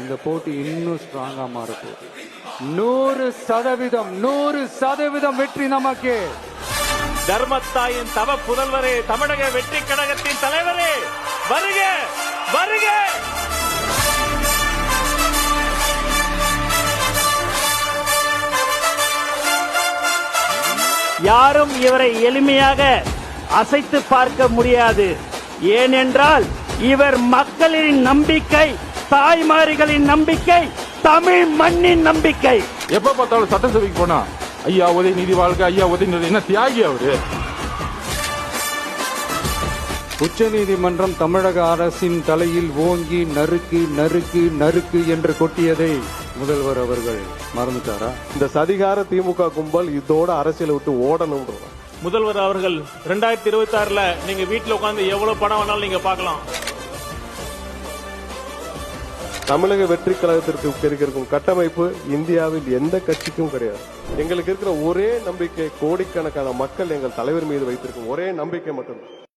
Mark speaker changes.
Speaker 1: இந்த போட்டி இன்னும் ஸ்ட்ராங்கா மாறப்போகுது. 100% வெற்றி நமக்கு.
Speaker 2: தர்மத்தாயின் தவ புதல்வரே, தமிழக வெற்றி கழகத்தின் தலைவரே, வருக வருக.
Speaker 3: யாரும் இவரை எளிமையாக அசைத்து பார்க்க முடியாது. ஏனென்றால் இவர் மக்களின் நம்பிக்கை, தாய்மார்களின் நம்பிக்கை, தமிழ் மண்ணின் நம்பிக்கை.
Speaker 4: எப்ப பார்த்தாலும் சட்டசபைக்கு போனா ஐயா உதயநிதி வாழ்க்கை, ஐயா உதயநிதி என்ன தியாகி அவரு.
Speaker 1: உச்சநீதிமன்றம் தமிழக அரசின் தலையில் ஓங்கி நறுக்கு நறுக்கு நறுக்கு என்று கொட்டியதை முதல்வர் அவர்கள் மறந்துட்டாரா?
Speaker 5: இந்த சதிகார திமுக கும்பல் இதோட அரசியலை விட்டு ஓடணும்.
Speaker 2: முதல்வர் அவர்கள் 2026ல நீங்க வீட்டுல உட்கார்ந்து எவ்வளவு பணம் வேணாலும் நீங்க பார்க்கலாம்.
Speaker 5: தமிழக வெற்றி கழகத்திற்கு இருக்கும் கட்டமைப்பு இந்தியாவில் எந்த கட்சிக்கும் கிடையாது. எங்களுக்கு இருக்கிற ஒரே நம்பிக்கை, கோடிக்கணக்கான மக்கள் எங்கள் தலைவர் மீது வைத்திருக்கும் ஒரே நம்பிக்கை மட்டும்தான்.